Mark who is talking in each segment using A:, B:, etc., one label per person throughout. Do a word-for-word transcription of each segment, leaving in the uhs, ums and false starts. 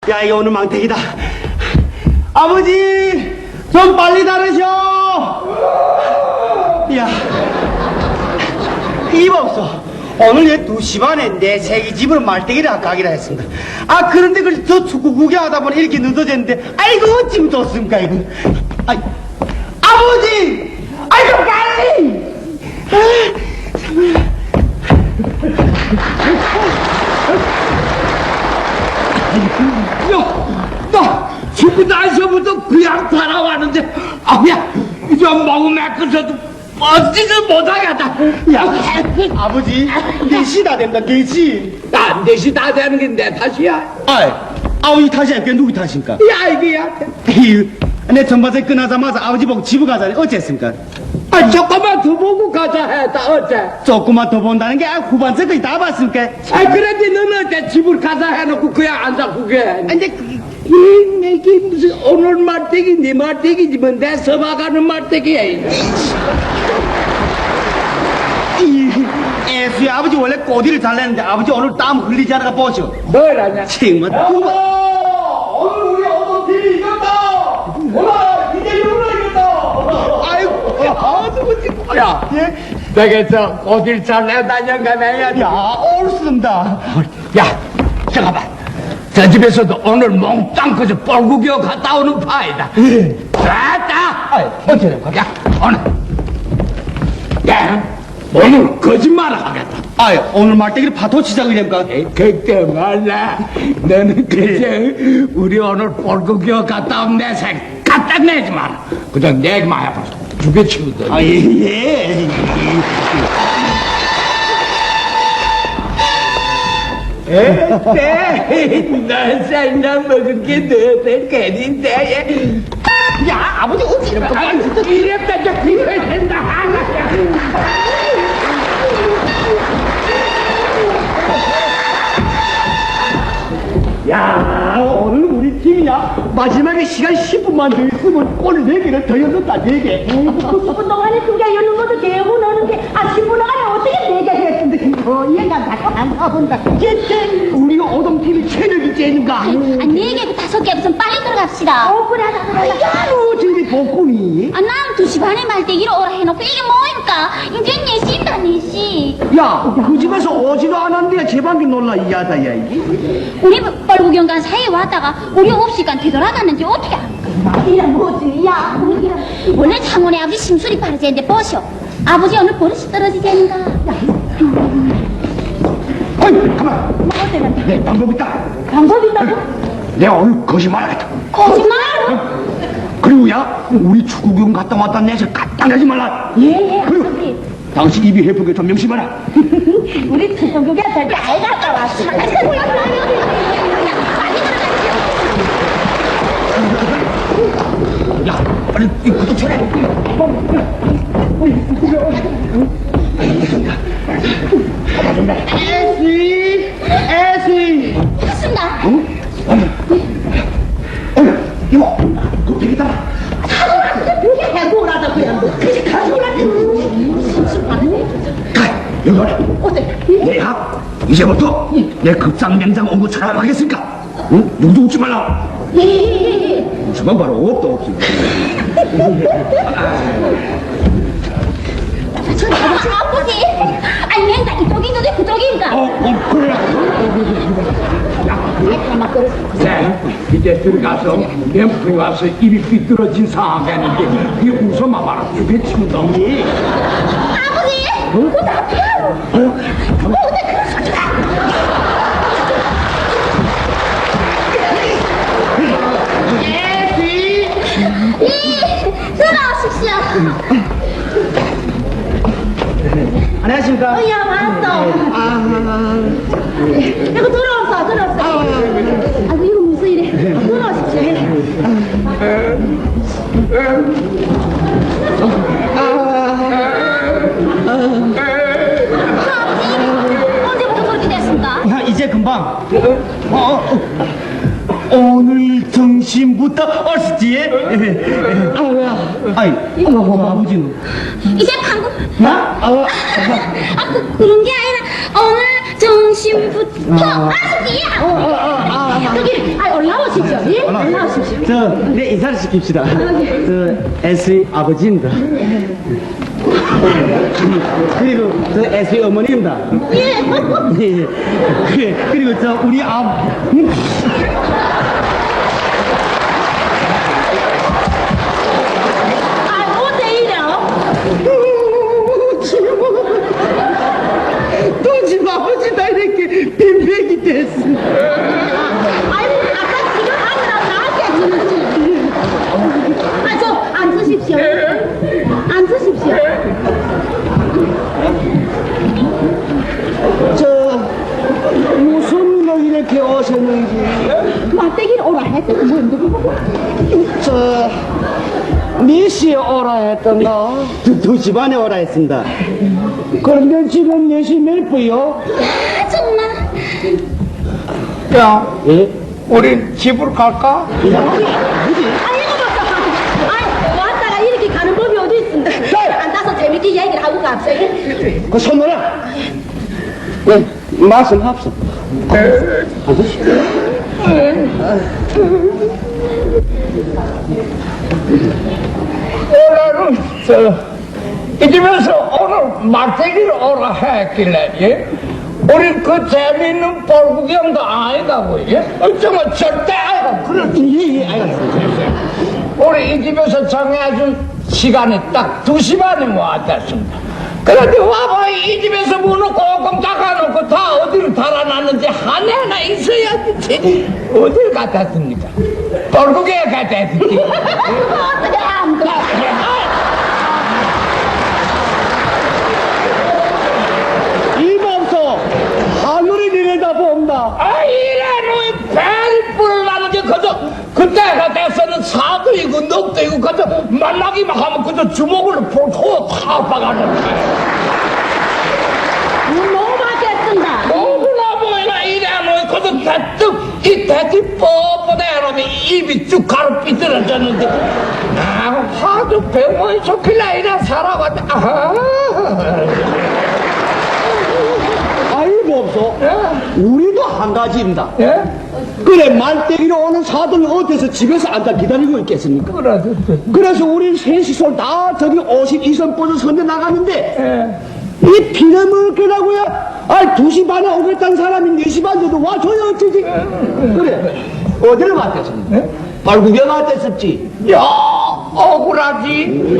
A: 야, 이거 오늘 망태기다. 아버지, 좀 빨리 다르셔. 야, 이봐 없어. 오늘 얘 두 시 반에 내 새끼 집으로 말대기를 가기로 했습니다. 아, 그런데 그 저 축구 구경하다 보니 이렇게 늦어졌는데, 아이고 어찌면 좋습니까 이거. 아이, 아버지, 아이고 빨리. 아, 정말.
B: 야, 나 죽고 나서부터 그냥 살아왔는데, 아야, 좀 먹으면 그래도 어찌를 못하겠다.
A: 야, 아버지, 네 시 다 된다, 네 시.
B: 난 넷이 다 되는 게 내 탓이야.
A: 아이, 아버지 탓이 아니까 누구 탓입니까?
B: 야, 이게야.
A: 에휴, 내 전반세 끝나자마자 아버지 보고 집을 가자니 어쨌습니까?
B: 아, 조금만 더 보고 가자 했다, 어째?
A: 조금만 더 본다는 게 아, 후반세까지 다 봤습니까?
B: 아, 그런데 너는 어째 집을 가자 해놓고 그냥 앉아 그게.
A: 근데 그,
B: 이, 내게 무슨 오늘 말대기, 네 말대기지, 뭐, 내 서봐가는 말대기야.
A: 애수야, 아버지 원래 꼬디를 잘 내는데 아버지 오늘 땀 흘리지 않아가 보셔.
B: 뭐라냐?
A: 정말 그거.
B: 오늘 우리 어떤 팀이 이겼다! 몰라! 이제 누구나 이겼다!
A: 아이고, 야, 누구 지금.
B: 야,
A: 예?
B: 내게서 어딜 잘 내다녀가 내야
A: 야, 옳습니다.
B: 야, 잠깐만. 저 집에서도 오늘 몽땅 그저 뻘구겨 갔다 오는 파이다.
A: 예.
B: 됐다!
A: 아이, 어떻게 된 거야?
B: 야, 오늘. 야, 오늘 거짓말을 하겠다.
A: 아이, 오늘 말대기를 파토 치자고 이랬까?
B: 그때 말라. 너는 그저 우리 오늘 뻘구겨 갔다 온 내 생 갖다 내지 마라. 그냥 내기만 해봐. 죽여 치우더니.
A: 아, 예, 예.
B: 에이, 너 생나 먹은 게 너들 괜인데.
A: 야, 아버지 어찌 이런 거.
B: 아, 이랬다, 저 비벼야 된다.
A: 야, 오늘 우리 팀이야. 마지막에 시간 십 분만 더 있으면 골 네 개를 더 넣었다, 네 개.
C: 십 분 동안에 두 개 여는 것도 대고 너는데 아 십 분 동안에 어떻게 네 개 했는데 뭐 얘가 자꾸 안 가본다.
A: 쟤 우리가 오동팀이 체력이 째는가?
D: 아, 네 개고 다섯 개 무슨 빨리 들어갑시다.
C: 어 그래 하자 그래 하자.
A: 야, 너 저기 복군이.
D: 아, 난 두 시 반에 말대기로 오라 해놓고 이게 뭐입니까? 이제 네 시입니다, 네 시.
A: 야, 그 집에서 오지도 않았는데 제방기 놀라 이하다, 야, 이게.
D: 우리 뻘구경 간 사이에 왔다가 우리 없이간 되돌아갔는지 어떻게 합니까?
C: 말이란 뭐지 야 분위기란.
D: 원래 창원에 아버지 심술이 빠르지는데 보시오. 아버지 오늘 버릇이 떨어지겠는가?
A: 어이, 가만.
C: 뭐 어때
A: 내 방법 있다.
C: 방법 있다고?
A: 내가 오늘 거짓말 하겠다.
D: 거짓말?
A: 그리고 야, 우리 축구경 갔다 왔다 내서 갖다 내지 말라.
C: 예예
A: 그리고 당신 입이 해프게 좀 명심하라.
C: 우리 축구국에 잘 갔다 왔어.
A: 야, 빨리 이 구두 쳐라. 에스이, 에스이.
D: 했습니다.
A: 이모, 그 되겠다.
C: 해보라다 그냥 너 그게 가져오라.
A: 가, 여기 와라.
C: 어때?
A: 내가 이제부터 내 급상 명장 온거 찾아가겠으니까, 응? 누구도 웃지 말라. 웃으면 바로 없다 없어.
D: 아버지, 아버지. 아니, 맨다 이쪽이 있는데 그쪽인가?
A: 어, 어, 그래.
B: 네, 이제 들어가서 램프에 와서 입이 삐뚤어진 상황이었는데 그게 웃어만 봐라. 죽여 치우더니.
D: 아버지! 그거 나쁘야! 어, 근데 그런 소리가!
A: 에스이.
D: 이, 들어오십시오.
A: 안녕하십니까?
C: 어, 야 왔어. 이거 들어왔어 들어왔어.
D: 아이고, 이거 무슨 일이야?
C: 들어오십시오.
D: 언제부터 그렇게 됐습니까?
A: 야, 이제 금방. 어, 어, 어. 오늘 점심부터 얼었지? 아이, 어, 아버지는?
D: 이제 방금,
A: 나? 어,
D: 아, 그, 그런 게 아니라, 오늘 점심부터, 아버지!
C: 여기 아 올라와 예? 올라오십시오.
A: 저, 네, 인사를 시킵시다. 저, 에스의 아버지입니다. 그리고 저 에스의 어머니입니다.
C: 예.
A: 예. 그- 그리고 저, 우리 아,
C: 아, 어때 이래요?
A: 또 지금 아버지다 이렇게 빈백이 됐어.
C: 아이고, 아까 지금 하느라 나한테 지금. 아, 저 앉으십시오. 앉으십시오.
A: 저, 무슨 일로 이렇게 오셨는지.
C: 막대기를 오라 했더니 뭐 누구?
A: 저, 몇 시에 오라 했던가? 두, 두 시 반에 오라 했습니다. 그런데 지금 몇 시 몇 분요?
C: 아, 정말.
B: 야,
A: 예?
B: 우리 집으로 갈까?
C: 아이고, 봤어. 아이, 왔다가 이렇게 가는 법이 어디 있습니다. 앉아서 재밌게 얘기를 하고 갑시다.
A: 그 손놀아. 네, 말씀합시다. 아저씨.
B: 오늘은 저이 집에서 오늘 말대기를 오라 했길래 예? 우리 그 재미있는 볼구경도 아니다고 예? 어쩌면 절대 아니고 그렇지
A: 예, 예, 알겠습니다.
B: 우리 이 집에서 정해준 시간이 딱 두 시 반에 모았습니다. 그런데 와봐 이 집에서 문을 꽁꽁 닫아놓고 다 어디로 달아놨는지 하나하나 있어야지 어딜 갔다 왔습니까? 볼구경에 갔다 왔지.
C: 어떻게 안 돼?
A: 이밤소 하늘이 내려다본다.
B: 아, 이래, 너희 배를 불어나는 게 그저, 그때가 돼서는 사도이고 넉대이고 그저 만나기만 하면 그저 주먹으로 볼코 다 박아놓는 거야.
C: 너무 맞겠습니다.
B: 너무나 보이나, 이래, 너희 그저 대뜸, 이 대뜸 뻣뻣해, 놈이 입이 쭉 가로 삐뚤어졌는데, 나 하도 병원이 좋길래 이래 살아봤다. 아하.
A: 아이고 없어. 우리도 한 가지입니다.
B: 예?
A: 그래 말대기로 오는 사돈이 어디서 집에서 앉아 기다리고 있겠습니까?
B: 그래,
A: 그래서 우리 셋이서 다 저기 오십이 선 뻗어 선대 나갔는데
B: 예.
A: 이 피눈물 끄라고요? 아, 두 시 반에 오겠다는 사람이 네 시 반 돼도 와줘야 어쩌지? 그래 어디를 갔겠습니까? 발구경 갔댔었지.
B: 야, 억울하지?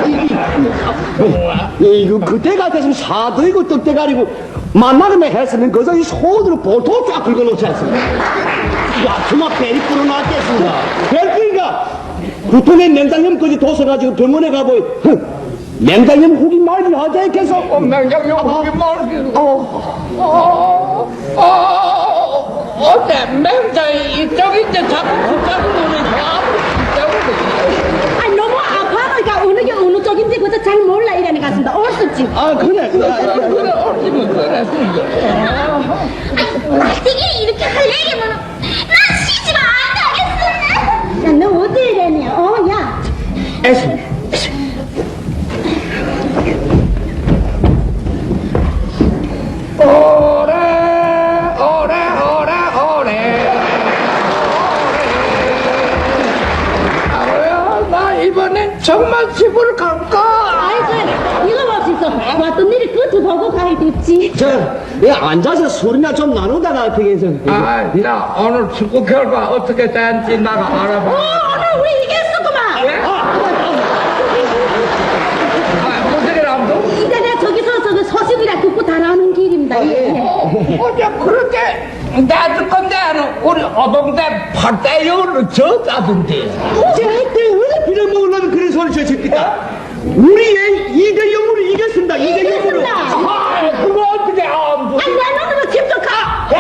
A: 이거 그때 같았으면 사도이고 떡대가리고 만나기만 했으면 그저 이 손으로 보통 쫙 긁어놓지 않습니까? 야, 그만 배리 불어났겠습니다. 별끼니까 구통에 맹장염까지 둬서가지고 병원에 가보이 맹장염 후기 말이 하자 했겠어.
B: 어, 맹장염 후기 말기.
A: 어,
B: 어, 어, 어때? 맹장이 이쪽인데 자꾸 붙잡고 노니까 이쪽으로.
C: 아니, 너무 아파하니까 어느 게 어느 쪽인지 그저 잘 몰라 이러는 것 같습니다. 얼쑤지.
A: 아, 그래, 그래.
B: 그래, 그래, 어찌면 그래.
D: 말대기 이렇게 할 얘기면 난 시집 안 가겠어.
C: 야, 너 어디 이래니? 어, 야.
A: 애쓰.
B: 오래, 오래, 오래, 오래. 아버야, 나 이번엔 정말 집으로 갈까?
C: 아이고, 이거 봅시다. 왔던 일이 끝을 보고 가야 됐지.
A: 저, 내 앉아서 소리나 좀 나누다가 어떻게 해서.
B: 아, 나 오늘 축구 결과 어떻게 된지 나가
C: 어,
B: 알아봐.
C: 오늘 우리 이겼었구만.
B: 예? 아, 무슨 일 아무도?
C: 이제 내가 저기서 저기 소식이라 듣고 달아오는 길입니다. 예.
B: 어제 그렇게 내줄 건데 우리 어동대 팔대요를 졌다던데.
A: 절대 왜 빌어먹으려면 그런 소리 저 새끼다. 우리 애 이 대 영으로 이겼습니다. 이 대 영으로.
C: 이겼습니다.
B: 아, 그거 어떻게 안 보지?
C: 아니, 내 눈으로 직접 가.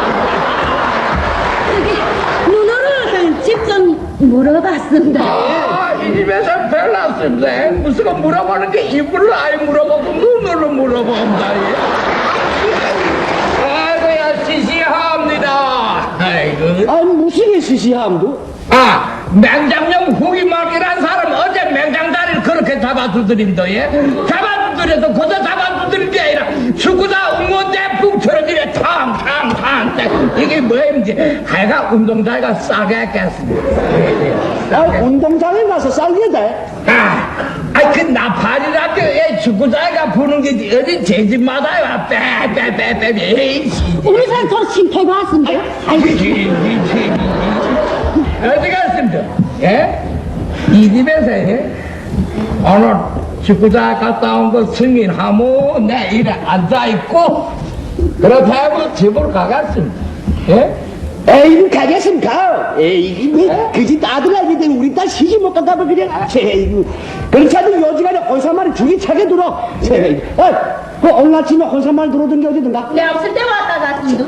C: 저기, 눈으로 직접 물어봤습니다.
B: 아, 이 집에서 별났습니다. 무슨 거 물어보는 게 입으로 아예 물어보고 눈으로 물어본다. 아이고야, 시시합니다. 아이고.
A: 아, 무슨 게 시시함도?
B: 아, 맹장염 후기 말기란 사람 어제 맹장다리를 그렇게 잡아두드린다, 예? 잡아두드린 그래서 고자 잡아두드는 게 아니라 축구다 응원대풍처럼 이래 탕탕탕 이게 뭐인지 하여간 운동장가 싸게 했겠습니다.
A: 아, 운동장에 가서 싸게 돼.
B: 아, 아이 그 나팔이라도 애 축구장가 부는 게 어디 제 집마다 빼빼빼빼 에이씨.
C: 우리 사람 저 심패고 왔습니다.
B: 어디 갔습니다? 예? 이 집에서 예? 오늘 축구장 갔다 온 거 승인하고 내 일에 앉아있고 그렇다고 집으로 가갔습니다. 예?
A: 에이, 가겠습니까? 에이, 뭐, 그집 아들아기 때문에 우리 딸 시집 못 간다고 그냥, 에이, 그렇지 않으면 요지간에 혼사말이 죽이 차게 들어. 에이, 어, 그 오늘 아침에 혼사말 들어오던 게 어디든가?
C: 내 없을 때 왔다 갔습니다.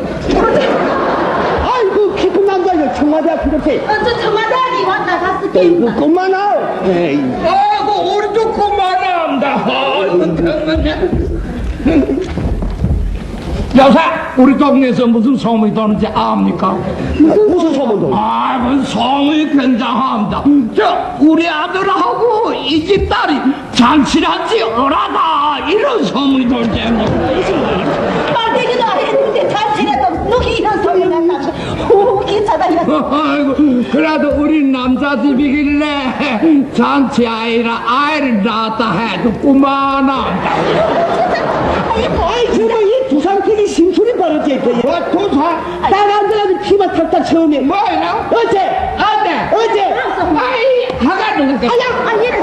A: 아이고, 깊은 남자야, 청와대학교 이렇게.
C: 어, 저 청와대학이 왔다 갔을 때.
A: 에이구, 그만아. 에이.
B: 아이고 우리도 그만합니다. 아이고 정말. 여사 우리 동네에서 무슨 소문이 도는지 압니까?
A: 무슨 소문도?
B: 아 무슨 소문이 굉장합니다. 저 우리 아들하고 이 집 딸이 잔치한지 어라다 이런 소문이 돌지 않습니까?
C: 말대기도 안 했는데 잔치라도 누기 이런 소리가 나서 오 괜찮다 이거.
B: 아이고 그래도 우리 남자 집이길래 잔치 아이라 아이를 낳았다 해도 그만합니다.
A: 아이, 정말 이 두상태기 심술이 바르지. 와, 도사. 딸안 들어가도 피만 탁탁 처음에.
B: 뭐야?
A: 어째?
B: 안돼
A: 어째?
B: 아이 하가 누구까?
C: 아야 아니 얘는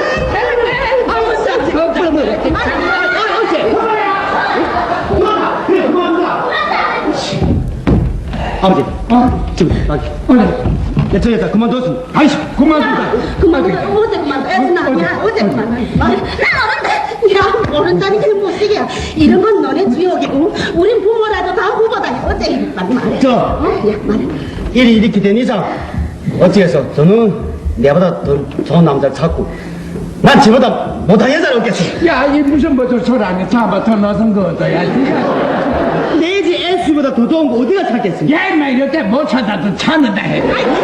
A: 아버지, 어? 지금, 아, 야, 저 여자 그만뒀습니다. 아이씨, 그만둔다.
C: 그만 어제 그만 애쓰나 아니야 어제 그만 나 모른다 야 모른다니까 못쓰게 이런 건 너네 주역이고 우린 부모라도 다 후보다 어째 빨리 말해
A: 저.
C: 어? 야 말해
A: 일이 이렇게 된 이상, 어찌해서 저는 내보다 더 좋은 남자를 찾고, 난 저보다 못한 여자를 얻겠어.
B: 야, 이 무슨 뭐저 소란이 잡아 더 넣어서 거 얻어야 지
A: 내 집 S보다 더 좋은 거 어디가 찾겠습니까?
B: 야, 인마 이럴 때 못 찾아도 찾는다 해.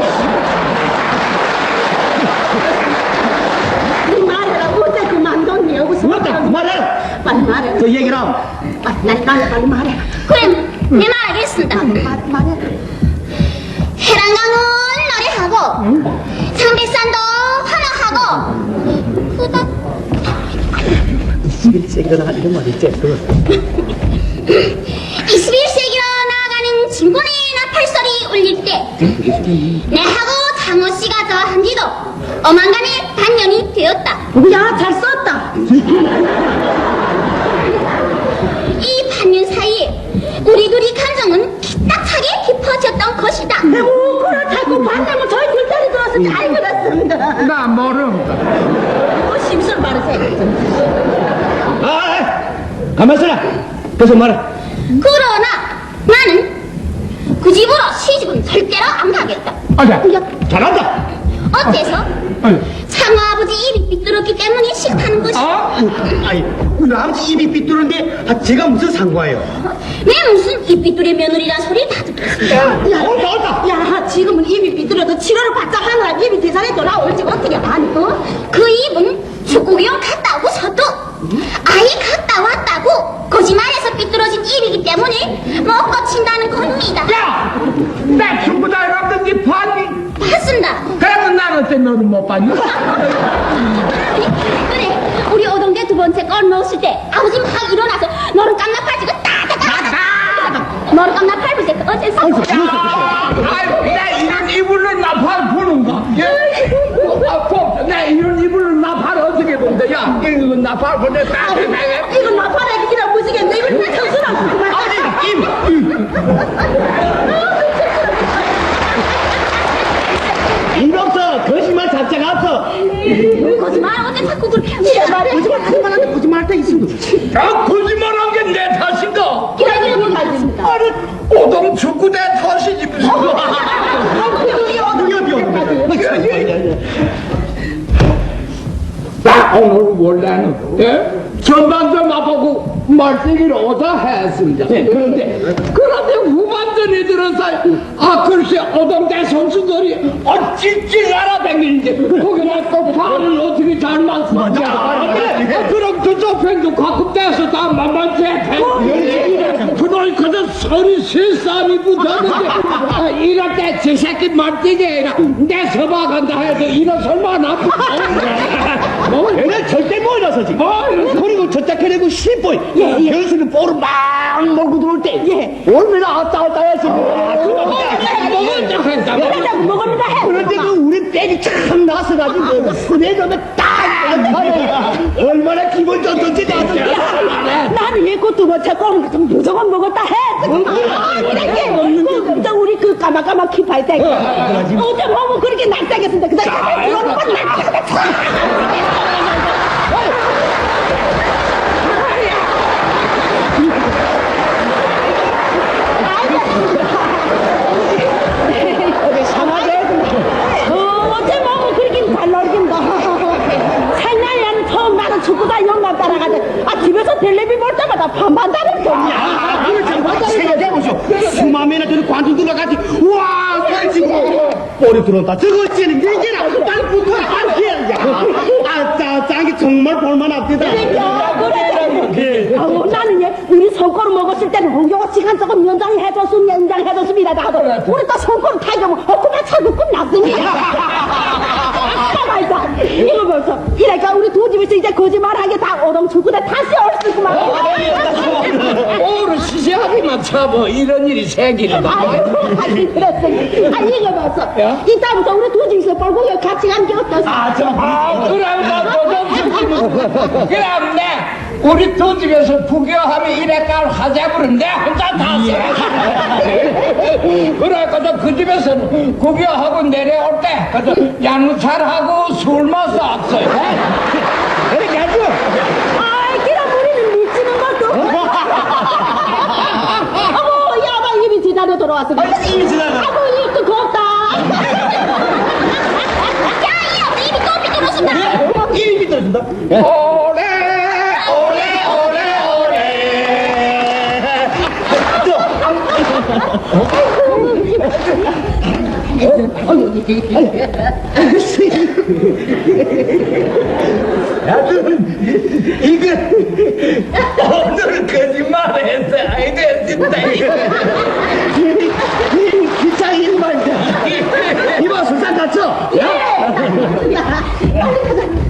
C: 네 말해라 어제 그만뒀니 여기서
A: 맞다, 말해.
C: 빨리 말해
A: 저 얘기를 하면.
C: 빨리 빨리 빨리 말해
D: 그럼 내 말 알겠습니다.
C: 빨리 말해 말해
D: 해랑강은 노래하고 상백산도 환호하고 그다
A: 이십일 세기로 나가 이런 말 있지? 그거.
D: 이십일 세기로 나아가는 진군의 나팔소리 울릴 때 내하고 장호씨가 저한 지도 어만간의 반년이 되었다.
C: 야 잘 썼다
D: 이 반년 사이에 우리 둘이 감정은 기딱하게 깊어졌던 것이다.
C: 아이고 그렇다고 반대면 저희 뒷다리 들어서 잘 그렸습니다
B: 나 모릅니다.
C: 어 심술 바르세요
A: 아, 가만 있어라. 계속 말해.
D: 그러나 나는 그 집으로 시집은 절대로 안 가겠다.
B: 아자,
A: 잘한다.
D: 어째서? 창호 아버지 입이 삐뚤었기 때문에 싫다는 것이.
B: 어?
A: 아이, 우리 아버지 입이 삐뚤은데, 아, 제가 무슨 상관이에요?
D: 내 무슨 입 삐뚤의 며느리란 소리를 다 듣겠어.
C: 야,
A: 옳다, 옳다.
C: 야, 지금은 입이 삐뚤어도 치료를 바짝 하느라 입이 대산에 돌아올지 어떻게 아니, 어?
D: 그 입은 축구기용 갔다 오고서도 아이 갔다 왔다고 거짓말해서 삐뚤어진 입이기 때문에 못 고친다는 겁니다.
B: 야, 나 축구장에 갔던 니 봤니?
D: 봤습니다.
B: 그러면 난 어때 너는 못 봤니?
D: 그래, 우리 오동대 두 번째 골 넣었을 때 아버지 막 일어나서 너는 깜나팔지고 따다다다다 너는 깜나팔 때 어째서?
B: 야, 아이고, 내 이런 이불로 나팔 부는가? 예? 아, 꼭, 내 이런 이불로 나팔 어떻게 본다? 야, 이거 나팔 보내.
C: 이건 나팔에 기라 무지겠네. 이건 내 정신없어. 그만.
A: 아니, 임. 임덕서, 거짓말 자체가 없어.
D: 거짓말 어째 자꾸 그렇게
C: 진짜
D: 하냐?
C: 말해. 거짓말 하지 말라는데 거짓말 할 때 있습니다.
B: 야, 거짓말한 게 내 탓인가?
C: 기라 기라 못 알겠습니다.
B: 아니, 오동 축구 내 탓이지 무슨. 나 오늘 원래는 예? 전반전 나보고 말세기를 오다 했습니다. 그런데 그런데 후반전 완전히 들어서 아 글쎄 오동대 선수들이 어찌찌 날아다니는지 거기다 또 발을 어떻게 잘 맞추냐. 그럼 저쪽 팬도 가끔 돼서 다 만만치 해. 그놈이 그저 서리 세싸움이 붙었는데 아, 이럴 때 저 새끼 말뛰기 아니라 내 서봐간다 해도 일어설만 아프고 뭐
A: 얘는 절대 못 일어서지.
B: 뭐
A: 그리고 저짝 해내고 십분
C: 예, 예.
A: 현수는 볼을 막 몰고 들어올 때
C: 예.
A: 얼마나 왔다 갔다 했어.
B: 먹었다 했다
C: 내가 먹었는가 해.
A: 그런데 그 우리 백이 참 나서가지고 스네저는 딱 얼마나 기분 좋던지 나도.
C: 나는 왜 그것도 못 찾고 좀 무조건 먹었다 해. 아, 이렇게 그, 저 우리 그 까마까마 키파이 때 어제 보면 그렇게 낯짝했는데 그다음 그거는 막 낯짝했다. 어제 보면 그렇게 잘 놀긴다. 생날에는 처음 나는 축구다 영감 따라가자. 아 집에서 텔레비 볼 때마다 반반다는 경이야.
A: 생각해보쇼. 수만면에 저는 관중 들어가지. 와, 그렇지. 볼이 들어온다. 저거 찌는 얘기라. 빨리 붙어. 빨리 해야 돼. 아, 짜, 짱이 정말 볼만합니다.
C: 그래. 아우, 나는 얘 우리 손가락 먹었을 때는 홍경호 시간 조금 연장을 해줬으면 연장해줬습니다. 나도 우리 또 손가락 타격은 헛구나 차고 끝났습니다. 가만있어. 이거 벌써 이래가 우리 두 집에서 이제 거짓말하게 다 오동축구대 다시 올 수구만.
B: 오늘 시시하기만 참어 이런 일이 생기는다.
C: 아이고, 하긴 그랬으니. 아, 이거 벌써 이따부터 우리 두 집에서 볼고 같이 가는 게 어떠세요?
B: 아, 그럼 나도 그럼 내 우리 두 집에서 부교하면 이래깔 하자부는 내 혼자 다 해. 그래가지고 그 집에서는 구교하고 내려올 때 그저 양찰하고 술 마서 왔어요.
A: 그렇게 하죠.
C: 아이, 그럼 우리는 미치는 것도. 어머, 야마 입이 지나려 돌아왔으니.
A: 입이 지나가.
C: 아이고, 입도 곱다.
D: 야, 이 아버지 입이 또 삐뚤어진다.
A: 입이 삐뚤어진다.
B: 오래 오래 오래 오래.
A: 이거 오늘 거짓말했어. 아이고 진짜 기창 일반자. 이봐 술잔 닫혀.
C: 빨리 가자.